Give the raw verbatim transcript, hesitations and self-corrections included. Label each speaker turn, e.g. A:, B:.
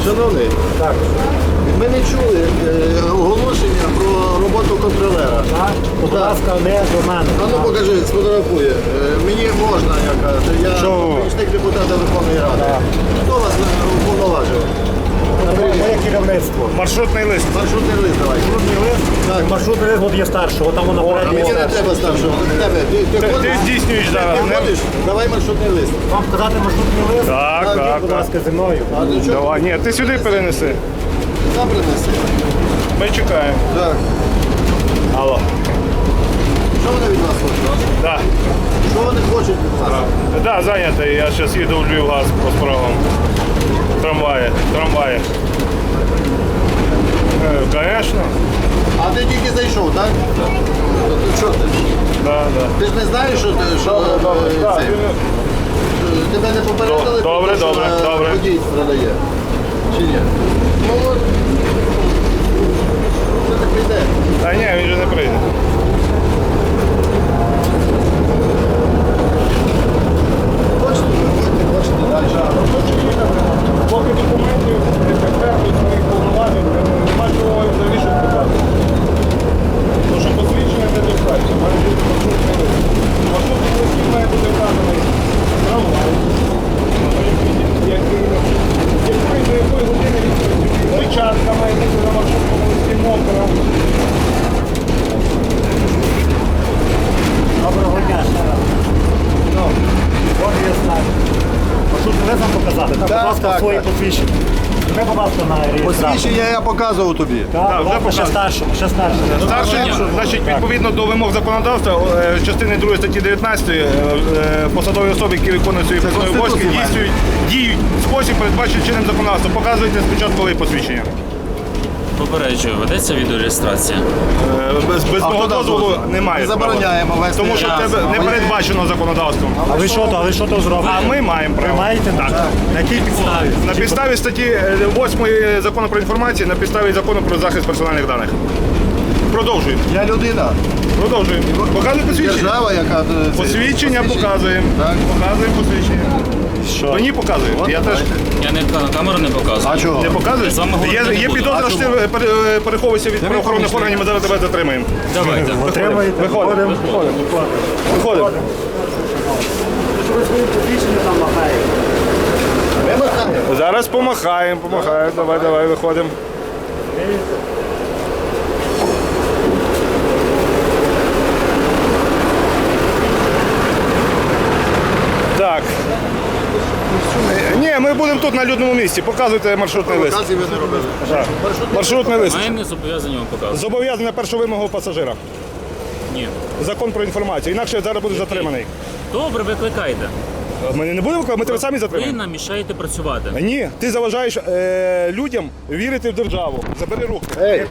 A: Шановний,
B: Так.
A: ми не чули е, оголошення про роботу контролера.
B: Так? Будь
A: Так.
B: ласка, не до мене.
A: А ну покажи, сфотографує. Е, Мені можна, я кажу. Я
B: Що?
A: помічник депутата Верховної Ради.
B: Так.
A: Хто вас е, уповноважив?
B: Моє керівництво.
C: Маршрутний лист.
A: Маршрутний лист давай.
B: Маршрутний лист?
A: Так.
B: Маршрутний лист от є старший, от там воно
A: А
B: передній
A: мені не
B: старший.
A: треба старшого. Тебе. Ти, ти,
C: Ти,
A: ходиш?
C: ти здійснюєш
A: Ти
C: зараз. не?
A: ходиш? Давай маршрутний лист.
B: Вам показати маршрутний лист?
C: Так,
A: Так,
C: так,
B: Будь
C: так.
B: ласка, зі мною.
A: А ти що?
C: Давай, ні, ти сюди перенеси.
A: Сам принеси.
C: Ми чекаємо.
A: Так.
C: Алло.
A: Що вони від вас хочуть?
C: Да.
A: Що вони хочуть від вас?
C: Да, зайнятий. Я зараз їду в Львів-Газ по справам. Трамваї, трамваї. Звісно.
A: А ти тільки зайшов, так? То ти що ти?
C: Да, да.
A: Ти ж не знаєш, що, ти- що
C: Добре, добре.
A: е,
C: Да,
A: це?
C: ти-
A: Тебе не попередили, про
C: Добре,
A: те, що
C: добре,
A: е,
C: добре.
A: водій продає? Чи ні? Ну от. Це не прийде.
C: Та ні, він же не прийде.
A: Хочете? Хочете, хочете, далі.
C: Поки документів не підтвердять своїх повноважень, нема чого взагалі щось показати. Тому що посвідчення не достатньо, має бути маршрутний лист. Маршрутний лист має бути вказаний трамвай, який, який до якої години він працює. Печатка має бути на маршрутному листі мокра.
B: Доброго дня ще раз. Ну, от є знак. Маршрутний лист вам показати? Так,
A: Так,
B: будь ласка,
A: так,
B: свої
A: так.
B: посвідчення. Ми, будь ласка, на реєстрацію.
A: Посвідчення я показував тобі.
B: Так,
C: Так,
B: будь
C: вже
B: ласка, ще
C: показано.
B: старшому, ще старшому.
C: Старший, значить, відповідно до вимог законодавства, е, частини другої статті дев'ятнадцятої, е, е, посадові особи, які виконують свої посадові обов'язки,
A: Конституція має.
C: дійснюють, діють в спосіб, передбачений чинним законодавством. Показуйте спочатку ви посвідчення.
D: Попереджую, ведеться відеореєстрація.
C: Е, Без, без
A: А
C: мого
A: хто дав
C: дозволу
A: дозвіл?
C: немає.
A: Ми
C: права.
A: забороняємо вести.
C: Тому що в
A: Ясно.
C: тебе не передбачено законодавством.
B: А ви що то, а ви що то зробили?
C: А ми маємо
B: Ви
C: право.
B: маєте?
C: Так.
B: На якій підставі?
C: На підставі статті восьмої закону про інформацію, на підставі закону про захист персональних даних. Продовжуємо.
A: Я людина.
C: Продовжуємо. Показуємо посвідчення.
A: Держава, яка... е, це-
C: Посвідчення показуємо.
A: Так.
C: Показуємо посвідчення.
B: Що?
C: Мені показує.
A: От,
C: Я теж
A: давайте.
D: Я не на камеру не показую.
A: А чого?
C: не показую.
D: Я з вами говорити
C: Є,
D: не
C: є
D: буду.
C: підозра,
D: А
C: що ти
D: чому?
C: пере- переховуєшся від правоохоронних органів, ми зараз тебе затримаємо.
D: Давайте.
B: Отримаєте?
C: Виходимо.
B: Виходимо.
C: Виходимо.
B: Що ви свої посвідчення там махаєте?
A: Ми махаємо.
C: Зараз помахаємо, помахаємо. Давай, давай, виходимо. Так. Ні, ми будемо тут на людному місці. Показуйте маршрутний лист.
A: Показів ви не робили.
C: Так. Маршрутний лист.
D: Ми не зобов'язані вам показувати.
C: Зобов'язаний на першу вимогу пасажира.
D: Ні.
C: Закон про інформацію. Інакше зараз будеш затриманий.
D: Добре, викликайте.
C: Ми не будемо, ми тебе самі
D: Ви
C: затримаємо.
D: нам мішаєте працювати.
C: Ні, ти заважаєш е, людям вірити в державу. Забери руки.
A: Ей,